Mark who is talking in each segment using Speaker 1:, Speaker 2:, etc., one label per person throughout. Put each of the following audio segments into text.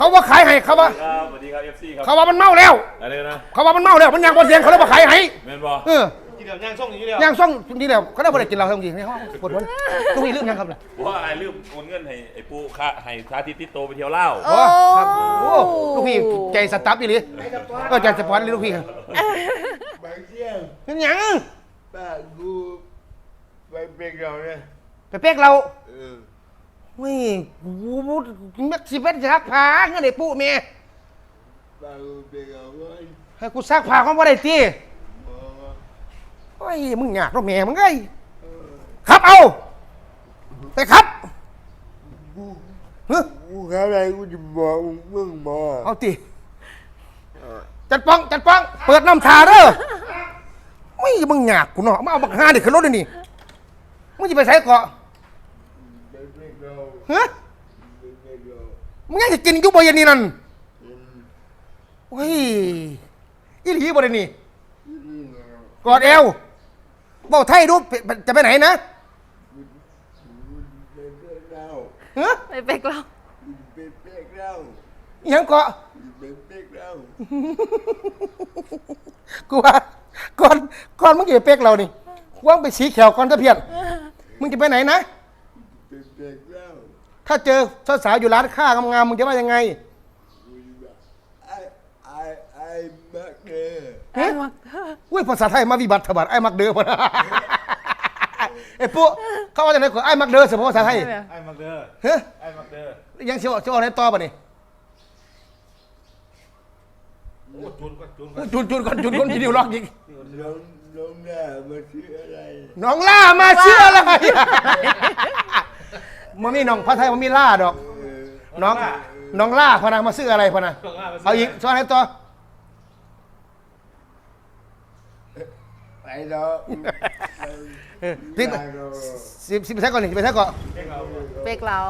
Speaker 1: เขาว่าขายให้เขาว่า
Speaker 2: สวัสดีครับ FC ครับ
Speaker 1: เขาว่ามันเมาแล้ว
Speaker 2: อะไรนะ
Speaker 1: เขาว่ามันเมาแล้วมันยังบนเสียงเขาเลยมาขายให้
Speaker 2: แม่นบ่
Speaker 3: กินแบบย่างส่งอย่างนี้เลย
Speaker 1: ย่างส่งนี่แล้วเขาได้บริกินเราทั้งทีนี่เขาปวดหัวตรงนี้ลืมยังครับล่ะ
Speaker 2: ว่าไอ้ลืมโอนเงินให้ไอ้ปูค่าให้สาธิตติดโตไปเที่ยวลาว
Speaker 1: โอ้ครับโอ้ลูกพี่ใจสตั๊บอีหลีก็ใจสปอนเลยลูกพี่ครับ
Speaker 3: บางเที่ยง
Speaker 1: เป็นยัง
Speaker 3: ป้ากูไปเป็นเราเนี่ย
Speaker 1: ไปเป๊กเราไม่กูแม็กซิเว่นซักผ้าเงี้ยเด็กปุ๊เมีย
Speaker 3: ป้ากูเป็นเรา
Speaker 1: ให้กูซักผ้าเขาไม่ได้ตีโอ้ยมึงอยากรถเมียมึงไงครับเอาไปครับ
Speaker 3: กูอะไรกูจะบอกมึงบอก
Speaker 1: เอาตีจัดป้องเปิดน้ำชาเด้อไม่มึงอยากกูเนาะมาเอาบักฮาเด็กขึ้นรถเลยนี่มึงจะไปใส่เกาะฮะมึงยังจะกินยุบยันนี่นั่นโอ้ยอีหลีบ่ได้นี่กอดเอวบอกไทยดูจะไปไหนนะฮะ
Speaker 4: ไปเป๊กเรา
Speaker 1: ยังเกาะกูว่าก่อนมึงจะไปเป๊กเรานี่ว่างไปสีเขียวก่อนตะเพียนมึงจะไปไหนนะถ้าเจอสาวๆอยู่ร้านค้างามๆมึงจะว่ายังไง
Speaker 3: ไอ้
Speaker 4: มัก
Speaker 1: อุ้ยภาษาไทยมาวิบัติถบัดไอ้มักเด้อพอนะไอ้ปุ๊เขาว่าจะไหนขอไอ้มักเด้อเฉพาะภาษาไทย
Speaker 2: ไอ้มักเด้อ
Speaker 1: เฮ้ย
Speaker 2: ไอ้มักเด้อ
Speaker 1: ยังเชียวอะไรต่อป่ะนี่
Speaker 2: จูนก่อน
Speaker 1: ทีเดียวล็อกอีก
Speaker 3: น้องล่ามาชื่ออะไร
Speaker 1: น้องล่ามาชื่ออะไรมันมีน้องพระไทยมันมีล่าดอกน้องล่าพนังมาซื้ออะไรพนังเอาอีกซ้อนให้ต่อ
Speaker 3: ไปเนาะ
Speaker 1: สิบใช้ก่อนหนึ่งไปใช้ก่อน
Speaker 4: เป๊กเรา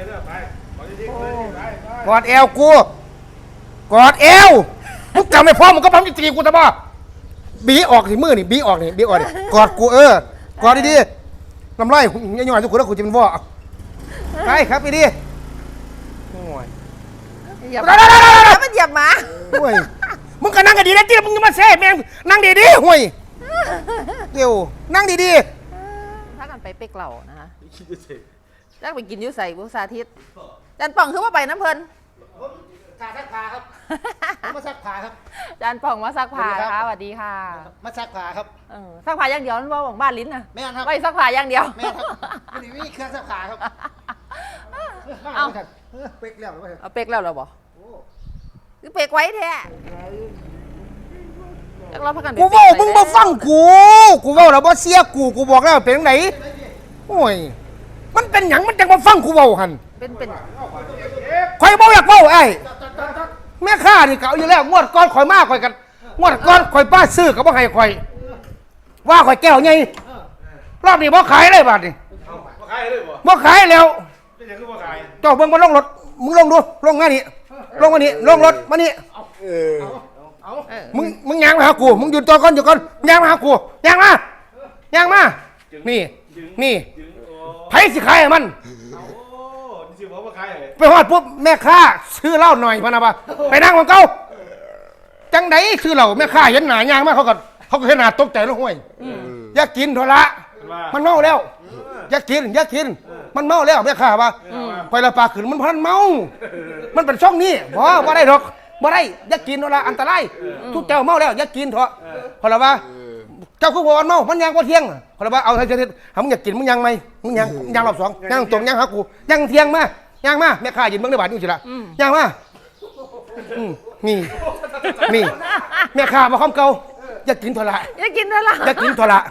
Speaker 1: กอดเอวกูกอดเอวมึงจำไม่พอมึงก็พังจีกูแต่บ่บีออกสิมือนี่บีออกนี่กอดกูกอดดีๆน้ำลายยังหน่อยทุกคนแล้วกูจะเป็นว่าไปครับไปดิโอ้ย
Speaker 4: เหยียบมันเหยียบหมา
Speaker 1: ห่วยมึงก็นั่งกันดีนะที่มึงจะมาแซ่แม่งนั่งดีๆห่วยเดี๋ยวนั่งดี
Speaker 4: ๆถ้ากันไปเป๊กเรานะฮะแล้วไปกินยูใส่บุษาทิตจันป่องคือว่าไปน้ำเพลิน
Speaker 1: ซักผ้าครับมาซักผ้าครับ
Speaker 4: จันป่องมาซักผ้าค่ะสวัสดีค่ะ
Speaker 1: มาซักผ้าครับ
Speaker 4: ซักผ้าอย่างเดียวนั่นว่าของบ้านลิ้นนะ
Speaker 1: แม่ครับ
Speaker 4: ไม่ซักผ้าอย่างเดียว
Speaker 1: แม่ครับนี่มีเครื่องซักผ้าครับ
Speaker 4: เอา
Speaker 1: เป๊กแล้ว
Speaker 4: เอาเป๊กแล้วเหรอบ่คือเป๊กไว้แท้
Speaker 1: กูบอกมึงมาฟังกูบอกแล้วว่าเสียกูบอกแล้วเป็นไหนโอ้ยมันเป็นหยังมันจังมาฟังกูบอกหัน
Speaker 4: เป็น
Speaker 1: คอยบอกอยากบอกไอ้แม่ข้านี่เก่าอยู่แล้วงวดก้อนคอยมากคอยกันงวดก้อนคอยป้าซื้อกับว่าให้คอยว่าคอยแก้วไงรอบนี้บ่ขายเลยบาทนี่
Speaker 2: บ่ขายเลย
Speaker 1: บ่ขายแล้ว
Speaker 2: เป็นยังคือบ่ขาย
Speaker 1: เจ้าเบิ่งมาลงรถมึงลงดูลงมานี่ลงมานี่ลงรถมานี่มึงยางมาหากูมึงหยุดตัวก่อนอยู่ก่อนยางมาหากูยางมานี่ไผสิขายมันไปฮอดปุ๊บแม่ค้าซื้อเหล้าหน่อยพะนะปะไปนั่งของเขาจังไดซื้อเหล้าแม่ค้าเห็นหน้ายางมาเขาก็เห็นหน้าตกใจแล้วห้วยอยากกินโทระมันเมาแล้วอยากกินมันเมาแล้วแม่ค้าปะไปละปากขึ้นมันพันเมามันเป็นช่องนี้บ่ได้ดอกบ่ได้อยากกินโทระอันตรายทุกเจ้าเมาแล้วอยากกินเถอะพอละว่าเจ้าคือวันเมามันยังว่าเที่ยงพอละว่าเอาให้เสร็จมึงอยากกินมึงยังไหมมึงยังรอบสองยังตรงยังหากูยังเที่ยงมาย่างมาแม่ข้ายืนเบื้องในบาทนี่สิละย่างมานี่แม่ข้ามาคอมเก่าอยากกินทอระ
Speaker 4: อยากกินทอระ
Speaker 1: แม่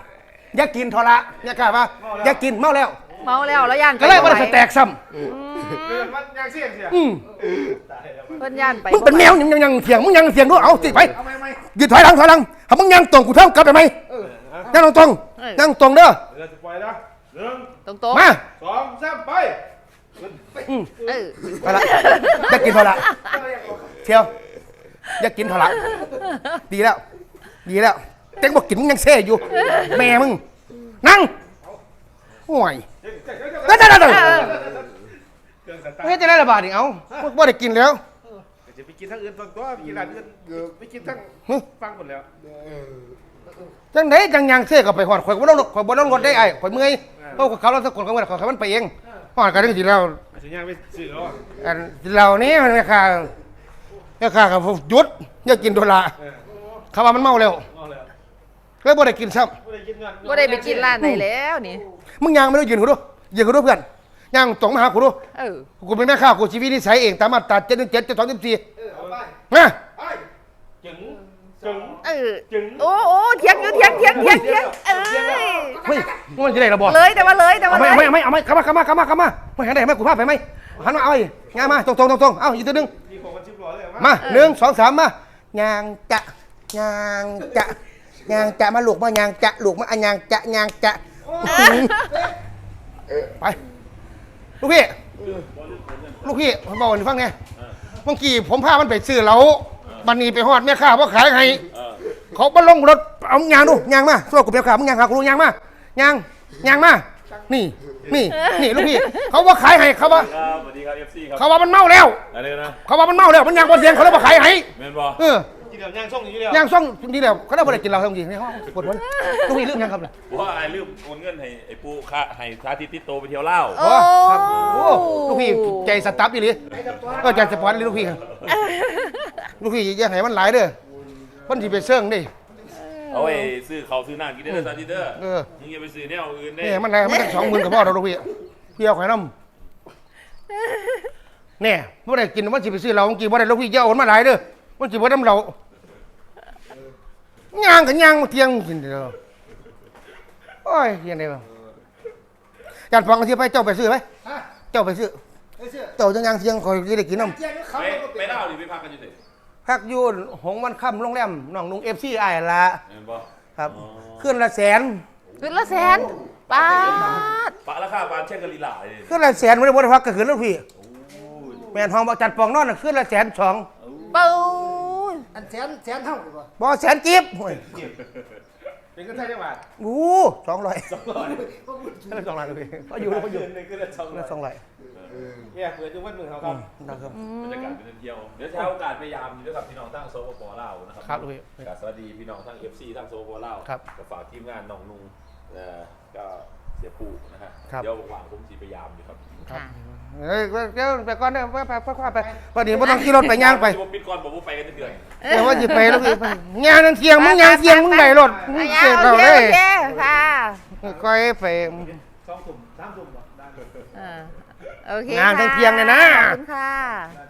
Speaker 1: ข้าว่าอยากกินเมาแล้ว
Speaker 4: แล้วย่าน
Speaker 1: ก็เลยมันจะแตกซ้ำ
Speaker 2: ย่างเสียง
Speaker 4: เพิ่นย่านไป
Speaker 1: มึงเป็นแมวยังเสียงมึงยังเสียงด้วยเอาสิไปยืนถอยหลังถ้ามึงยังตรงกูเท่ากลับได้ไหมยังตรงเด้อ
Speaker 4: ตรง
Speaker 1: มา
Speaker 2: 2 3ไป
Speaker 1: ไปละอยากกินทอระเชียวอยากกินทอระดีแล้วเต็งบอกกินมึงยังเซ่อยู่แม่มึงนั่งห่วยไม่จะได้ระบาดอีกเอาบ่ได้กินแล้ว
Speaker 5: จะไปกินทั้งอื่นฟังตัวไปกินร้านอื่นไปกินทั้งฟังหมดแล้ว
Speaker 1: จังไดจังยังเสียก็ไปหอดข่อยบ่ต้องรถได้ไอ้ข่อยเมื่อยเพราะเขาเราสักคนเขาไม่ได้ข่อยมันไปเองหอดกันสิแล้ว
Speaker 5: สัญญาณไม่สื่อแล้ว
Speaker 1: อันเรานี้มันราคากับหยุดอย่ากินโดละเขาว่ามันเมาแล้ว
Speaker 5: เอาแล้ว
Speaker 1: แล้วบ่ได้กินซ้
Speaker 5: ไม่ได้กินเงิน
Speaker 4: บ่ได้ไปกินร้านไหนแล้วนี่
Speaker 1: ำมึงยังไม่ได้ยืนกูดูยืนกูดูเพื่อนยังตรงมาหากูดู
Speaker 4: เออ
Speaker 1: กูเป็นแม่ข้ากูชีวิตนิสัยเองตามมาตรา717 724
Speaker 5: เอาไป
Speaker 1: นะ
Speaker 5: จึง
Speaker 4: เออโอ้เถียงอยู่เถียงเอ้ย
Speaker 1: เฮ้ยมันจะได้ระบอ
Speaker 4: เลยแต่ว่าเลย
Speaker 1: เอาไหมเข้ามาไม่หันได้ไหมกูพาไปไหมหันมาเอาอีกงานมาตรงเอาอีกตัวนึง
Speaker 5: มีของกันชิบล้อเลย
Speaker 1: มา1 2 3มายางจะมาลูกมายางจะลูกมาอันยางจะไปลูกพี่ผมบอกให้ฟังไงเมื่อกี้ผมพามันไปซื้อเหล้าบันนี้ไปฮอดแม่ค้าเพราะขายให้เขามาลงรถเอายางดูยางมาช่วยกูเปียกขามึงยางขากูยางมายางมานี่ลูกพี่เขาว่าขายให้เขาว่า
Speaker 2: ครับสวัสดีครับ FC ครับ
Speaker 1: เขาว่ามันเมาแล้ว
Speaker 2: อะไรนะ
Speaker 1: เขาว่ามันเมาแล้วมันยางบนเสียงเขาเลยมาขายให้
Speaker 2: แม่นบ่
Speaker 5: กินเดี๋ยวย่างส่งอย่างนี้เดียว
Speaker 1: ย่างซ่องนี่แหละเขาได้บริกินเราทั้งทีในห้องปวดหัวลูกพี่ลืมยังครับล่ะ
Speaker 2: ว่าไอ้ลืมโอนเงินให้ไอ้ปูค่าให้สาธิตติดโตไปเที่ยวลาว
Speaker 4: โอ้
Speaker 1: ครับโอ้ลูกพี่ใจสตั๊บอีหลีก็ใจสปอร์ตเลยลูกพี่ลูกพี่อย่าให้มันหลายเด้อมันสิไปเสื่องดิ
Speaker 2: เอาไว้ซื้อเขาวซื้อน้ำกินได้เลยสาธิตเด้อ
Speaker 1: เออ
Speaker 2: มึงอย่าไปซื้อแนวอื่นได้
Speaker 1: นี่มันอะไรมัน20,000กับพ่อเราลูกพี่พี่เอาไข่น้ำเนี่ยไม่ได้กินมันสิไปซื้อเราเมื่อกี้ไม่ได้ลูกพี่อย่าโอนมาหลายเด้อมันสิบ่น้ำเราย่างกันย่างมาเที่ยงกินเด้อโอ้ยยังไงบ้างจานฟังกันที่ไปเจ้าไปซื้อไหมเจ้าไปซื้อเจ้าจังย่างเที่ยงคอยจะได้กินน้ำ
Speaker 2: ไปลาวดิไปพักกันอยู่สิ
Speaker 1: พักอยูนหงมันค่ำโรงแรมน้องนุ่งFCไอ้ายละ
Speaker 2: แม่นบ่
Speaker 1: ครับขึ้นละแสน
Speaker 4: ขึ้นละแสนปาด
Speaker 2: ปะราคาปานเช่นกะลีหลายเลย
Speaker 1: ขึ้นละแสนไม่ได้บ่ได้พักก็ขึ้นแล้วพี่แม่นห้องบอกจัดปองนอนน่ะขึ้นละ102,000
Speaker 4: เป้า
Speaker 6: อันแสนเท่าบ่
Speaker 1: บ่แสนจิ๊บโอ้ย
Speaker 5: เป็นกันไทยจังหวัด
Speaker 1: 200 200เลยพี่ก็อยู่ก็อยู่
Speaker 5: หนึ่งคือละสองร้อย
Speaker 1: 200
Speaker 5: แย่เปิดจนวันหนึ่งเขาครับ
Speaker 1: นะครับ
Speaker 2: บรรยากาศเป็นเที่ยวเดี๋ยวใช้โอกาสพยายามอยู่ด้วยกับพี่น้องทั้งโซปลาวนะครั
Speaker 1: ครับพี่
Speaker 2: กับสวัสดีพี่น้องทั้ง FC ทั้งโซปลาว
Speaker 1: ครับ
Speaker 2: ก็ฝากทีมงานน้องนุ่งก็เสียปูนะฮะ
Speaker 1: ครับ
Speaker 2: เดี๋ยวว่างๆผมสิพยายามอยู่ครับ
Speaker 4: ค่ะ
Speaker 1: เฮ้ยเดี๋ยวไปก่อนเด้อไปวันนี้บ่ต้องขี่รถไปย่างไป
Speaker 2: ผมปิดก่อนบอกว่าไปกันเดือน
Speaker 1: แต่ว่าสิไปแล้วพี่ไปย่างนั่นเที่ยงมึงย่างเที่ยงมึงได้รถมึง
Speaker 4: อ่ะ
Speaker 1: เจ็บ
Speaker 4: โอ
Speaker 1: เรา
Speaker 4: เค
Speaker 1: เด้
Speaker 4: โอเคค่ะ
Speaker 1: ก้อยไป
Speaker 5: 2 ทุ่ม 3 ทุ่มได้
Speaker 4: โอเค
Speaker 1: งาน
Speaker 4: ค่ะ
Speaker 1: เที่ยงๆเนี่ยนะ
Speaker 4: ขอบคุณค่ะ